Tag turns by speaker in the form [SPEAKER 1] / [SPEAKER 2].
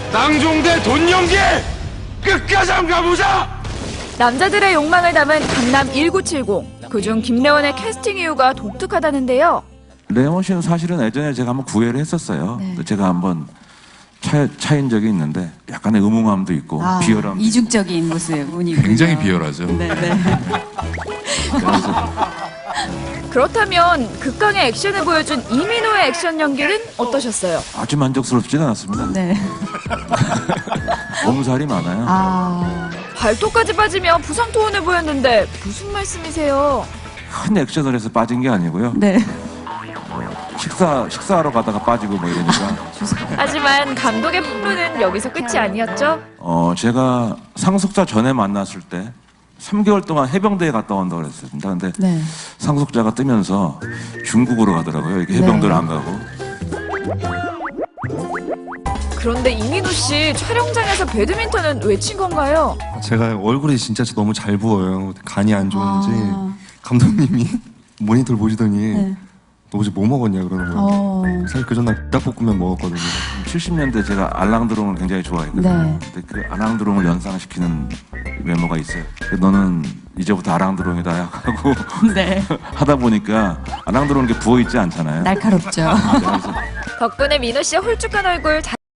[SPEAKER 1] 낭종대 돈 연기 끝까지 한번 가보자.
[SPEAKER 2] 남자들의 욕망을 담은 강남 1970. 그중 김래원의 캐스팅 이유가 독특하다는데요.
[SPEAKER 3] 레원 씨는 사실은 예전에 제가 한번 구애를 했었어요.
[SPEAKER 4] 네.
[SPEAKER 3] 제가 한번 차인 적이 있는데 약간의 의문함도 있고 비열함도
[SPEAKER 4] 이중적인 모습이군요.
[SPEAKER 5] 굉장히 비열하죠.
[SPEAKER 4] 네네.
[SPEAKER 3] 그래서
[SPEAKER 2] 그렇다면 극강의 액션을 보여준 이민호의 액션 연기는 어떠셨어요?
[SPEAKER 3] 아주 만족스럽지는 않았습니다.
[SPEAKER 4] 네.
[SPEAKER 3] 몸살이 많아요.
[SPEAKER 2] 발톱까지 빠지며 부상 토론을 보였는데 무슨 말씀이세요?
[SPEAKER 3] 큰 액션을 해서 빠진 게 아니고요.
[SPEAKER 4] 네.
[SPEAKER 3] 식사하러 가다가 빠지고 뭐 이러니까.
[SPEAKER 2] 하지만 감독의 폭로는 여기서 끝이 아니었죠?
[SPEAKER 3] 제가 상속자 전에 만났을 때 3개월 동안 해병대에 갔다 온다고 그랬습니다. 근데
[SPEAKER 4] 네.
[SPEAKER 3] 상속자가 뜨면서 중국으로 가더라고요. 이렇게 해병대를 안 가고.
[SPEAKER 2] 그런데 이민호 씨 촬영장에서 배드민턴은 왜 친 건가요?
[SPEAKER 6] 제가 얼굴이 진짜 너무 잘 부어요. 간이 안 좋은지 감독님이 모니터를 보시더니
[SPEAKER 4] 네.
[SPEAKER 6] 너 어제 뭐 먹었냐 그러는 거예요. 사실 그 전날 닭볶음면 먹었거든요.
[SPEAKER 3] 70년대 제가 알랑드롱을 굉장히 좋아했거든요.
[SPEAKER 4] 네.
[SPEAKER 3] 근데 그 알랑드롱을 연상시키는 외모가 있어요. 너는 이제부터 알랑드롱이다 하고
[SPEAKER 4] 네.
[SPEAKER 3] 하다 보니까 알랑드롱 게 부어있지 않잖아요.
[SPEAKER 4] 날카롭죠.
[SPEAKER 3] 그래서
[SPEAKER 2] 덕분에 민호 씨의 홀쭉한 얼굴